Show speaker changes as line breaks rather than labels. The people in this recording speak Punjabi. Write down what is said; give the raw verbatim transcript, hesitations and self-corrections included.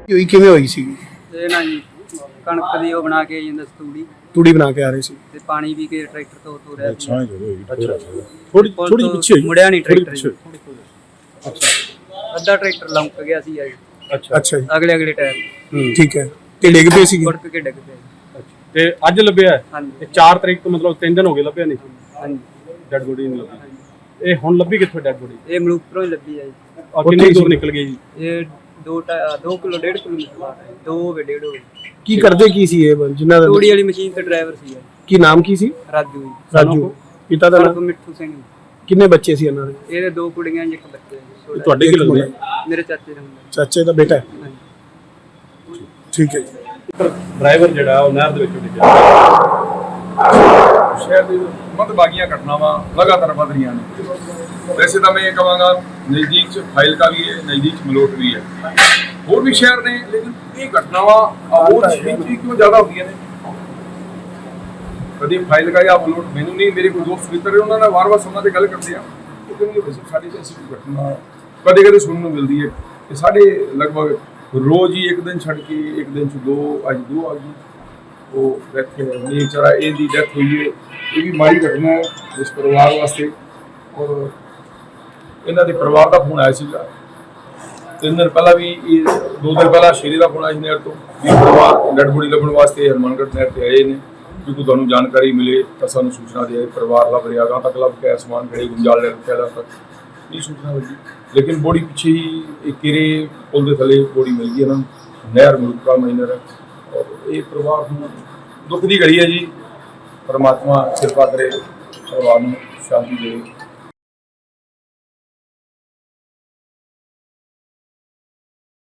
ਹੋਈ ਕਿਵੇਂ ਹੋਈ ਸੀ?
ਇਹ ਨਾ ਜੀ ਕਣਕ ਦੀ ਉਹ ਬਣਾ ਕੇ ਜਾਂਦਾ ਤੂੜੀ
ਤੂੜੀ ਬਣਾ ਕੇ ਆ ਰਹੇ ਸੀ
ਤੇ ਪਾਣੀ ਵੀ ਕੇ ਟਰੈਕਟਰ ਤੋਂ ਤੋਂ ਰਿਹਾ ਸੀ।
ਅੱਛਾ
ਥੋੜੀ ਥੋੜੀ ਪਿੱਛੇ
ਮੁੜਿਆ ਨਹੀਂ ਟਰੈਕਟਰ।
ਅੱਛਾ
ਅੱਧਾ ਟਰੈਕਟਰ ਲੰਕ ਗਿਆ ਸੀ ਜੀ।
ਅੱਛਾ ਅੱਛਾ ਜੀ
ਅਗਲੇ ਅਗਲੇ ਟਾਇਰ
ਠੀਕ ਹੈ ਤੇ ਡਿੱਗ ਪਏ ਸੀ?
ਫੜਕ ਕੇ ਡਿੱਗ ਪਿਆ।
ਤੇ ਅੱਜ ਲੱਭਿਆ?
ਹਾਂਜੀ
ਤੇ ਚਾਰ ਤਰੀਕ ਤੋਂ ਮਤਲਬ ਤਿੰਨ ਦਿਨ ਹੋ ਗਏ ਲੱਭਿਆ ਨਹੀਂ?
ਹਾਂਜੀ
ਡੈਡ ਬੋਡੀ ਨਹੀਂ ਲੱਭੀ। ਇਹ ਹੁਣ ਲੱਭੀ ਕਿੱਥੋਂ ਡੈਡ ਬੋਡੀ?
ਇਹ ਮਲੂਕਪੁਰੋਂ ਹੀ ਲੱਭੀ ਹੈ ਜੀ।
ਔਰ ਕਿੰਨੀ ਦੂਰ ਨਿਕਲ ਗਈ ਜੀ?
ਇਹ ਦੋ ਦੋ ਕਿਲੋ ਡੇਢ ਕਿਲੋਮੀਟਰ ਬਾਹਰ ਹੈ। ਦੋ ਹੋਵੇ ਡੇਢ ਹੋਵੇ।
ਕੀ ਕਰਦੇ ਕੀ ਸੀ ਇਹ ਜਿਨ੍ਹਾਂ ਦਾ?
ਤੂੜੀ ਵਾਲੀ ਮਸ਼ੀਨ ਤੇ ਡਰਾਈਵਰ ਸੀ।
ਕੀ ਨਾਮ ਕੀ ਸੀ?
ਰਾਜੂ ਜੀ।
ਰਾਜੂ। ਪਿਤਾ ਦਾ ਨਾਮ?
ਮਿੱਠੂ ਸਿੰਘ।
ਕਿੰਨੇ ਬੱਚੇ ਸੀ ਇਹਨਾਂ ਦੇ?
ਇਹਦੇ ਦੋ ਕੁੜੀਆਂ ਇੱਕ ਬੱਚਾ ਜੀ।
ਤੁਹਾਡੇ ਕੀ ਲੱਗਦੇ?
ਮੇਰੇ ਚਾਚੇ ਦਾ ਮੁੰਡਾ।
ਚਾਚੇ ਦਾ ਬੇਟਾ ਹੈ?
ਹਾਂਜੀ
ਠੀਕ ਹੈ ਜੀ।
ਡਰਾਈਵਰ ਜਿਹੜਾ ਉਹ ਨਹਿਰ ਦੇ ਵਿੱਚ ਡਿੱਗਿਆ।
ਸ਼ਹਿਰ ਦੀ ਮੰਦਭਾਗੀਆਂ ਘਟਨਾਵਾਂ ਲਗਾਤਾਰ ਵਧ ਰਹੀਆਂ ਨੇ। ਵੈਸੇ ਤਾਂ ਮੈਂ ਇਹ ਕਹਾਂਗਾ ਨਜ਼ਦੀਕ ਚ ਫਾਜ਼ਿਲਕਾ ਵੀ ਹੈ, ਨਜ਼ਦੀਕ ਚ ਮਲੋਟ ਵੀ ਹੈ, ਹੋਰ ਵੀ ਸ਼ਹਿਰ ਨੇ, ਲੇਕਿਨ ਇਹ ਘਟਨਾਵਾਂ ਹੋਰ ਸ਼ਹਿਰ ਚ ਕਿਉਂ ਜ਼ਿਆਦਾ ਹੁੰਦੀਆਂ ਨੇ? ਕਦੀ ਫਾਜ਼ਿਲਕਾ ਜਾਂ ਮਲੋਟ ਮੈਨੂੰ ਨਹੀਂ, ਮੇਰੇ ਕੋਈ ਦੋਸਤ ਮਿੱਤਰ ਉਹਨਾਂ ਨਾਲ ਵਾਰ-ਵਾਰ ਸਮਾਂ ਤੇ ਗੱਲ ਕਰਦੇ ਆ ਉਹ ਕਹਿੰਦੇ ਵੈਸੇ ਸਾਡੇ ਚ ਐਸੀ ਕੋਈ ਘਟਨਾ ਕਦੇ ਕਦੇ ਸੁਣਨ ਨੂੰ ਮਿਲਦੀ ਹੈ ਕਿ ਸਾਡੇ ਲਗਭਗ ਰੋਜ਼ ਹੀ ਇੱਕ ਦਿਨ ਛੱਡ ਕੇ ਇੱਕ ਦਿਨ ਚ ਦੋ ਅੱਜ ਦੋ ਆ ਗਈ ਉਹ ਡੈਥ ਨਹੀਂ ਚੜਾ ਇਹਦੀ ਡੈਥ ਹੋਈ ਹੈ। ਇਹ ਵੀ ਮਾੜੀ ਘਟਨਾ ਹੈ ਇਸ ਪਰਿਵਾਰ ਵਾਸਤੇ। ਔਰ ਇਹਨਾਂ ਦੇ ਪਰਿਵਾਰ ਦਾ ਫੋਨ ਆਇਆ ਸੀਗਾ ਤਿੰਨ ਦਿਨ ਪਹਿਲਾਂ ਵੀ, ਇਹ ਦੋ ਦਿਨ ਪਹਿਲਾਂ ਸ਼ੇਰੀ ਦਾ ਫੋਨ ਆਇਆ ਸੀ ਨਹਿਰ ਤੋਂ ਵੀ ਪਰਿਵਾਰ ਡੈਡ ਬੋਡੀ ਲੱਭਣ ਵਾਸਤੇ ਹਰਮਨਗढ़ ਨਹਿਰ ਤੇ ਆਏ ਨੇ। ਕਿਉਂਕਿ ਤੁਹਾਨੂੰ ਜਾਣਕਾਰੀ ਮਿਲੇ ਤਾਂ ਸਾਨੂੰ ਸੂਚਨਾ ਦੇ ਪਰਿਵਾਰ ਲੱਭ ਰਿਹਾ ਗਾ ਤੱਕ ਲੱਭ ਕੇ ਅਸਮਾਨ ਖੜੇ ਗੁੰਜਾਲ ਲੈ ਰੱਖਿਆ ਤੱਕ ਇਹ ਸੂਚਨਾ ਲੱਗੀ, ਲੇਕਿਨ ਬੋਡੀ ਪਿੱਛੇ ਹੀ ਇੱਕ ਕਿਰੇ ਪੁਲ ਦੇ ਥੱਲੇ ਬੋਡੀ ਮਿਲ ਗਈ ਇਹਨਾਂ ਨੂੰ। ਨਹਿਰ ਮਲੂਕਾ ਮਾਈਨਰ ਹੈ ਔਰ ਇਹ ਪਰਿਵਾਰ ਨੂੰ ਦੁੱਖ ਦੀ ਘੜੀ ਹੈ ਜੀ। ਪਰਮਾਤਮਾ ਕਿਰਪਾ ਕਰੇ ਪਰਿਵਾਰ ਨੂੰ ਸ਼ਾਂਤੀ ਦੇਵੇ।